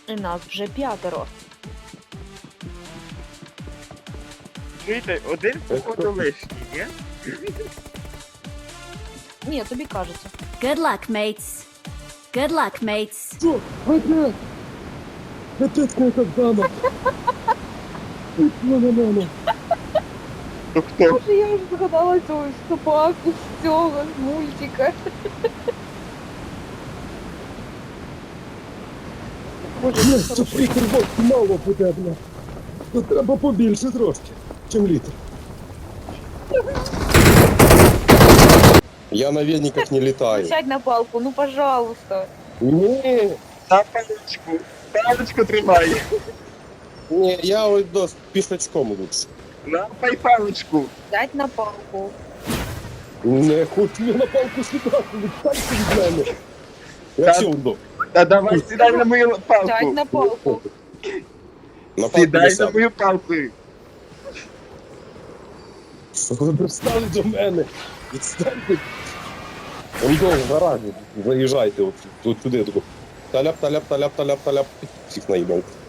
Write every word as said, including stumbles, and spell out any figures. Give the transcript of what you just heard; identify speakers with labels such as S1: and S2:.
S1: І нас вже п'ятеро.
S2: Чуєте, один походу лишній, ні?
S1: Ні, тобі кажеться.
S3: Good luck, mates. Good luck, mates.
S4: Что? Опять? Опять какая-то дама. На-на-на-на.
S2: То хто?
S1: Боже, я вже згадала цю собаку з цього з мультика. Боже,
S4: Бля,
S1: це
S4: це
S1: хорошо.
S4: літр водки мало буде, бля. Тут треба побільше трошки, чим літр. Я на вениках не летаю.
S1: Сядь на палку, ну пожалуйста.
S4: Ні,
S2: На паличку. Паличку тримай.
S4: ні, я ось до пішачком лучше.
S2: Лапай паличку.
S1: Сядь на палку.
S4: Не хочу я на палку сідати, відстаньте від мене. Я
S2: Та-
S4: сілду.
S2: Та давай сідай на мою
S1: Сядь
S2: палку.
S1: на палку.
S4: На палку
S2: Сідай
S4: не
S2: на
S4: сяду.
S2: мою палку.
S4: Що ви пристали до мене? Відстаньте. Он довго в гаражі. Заїжджайте от, от туди. таку. Таляп, таляп, таляп, таляп, таляп. Всіх наїбав.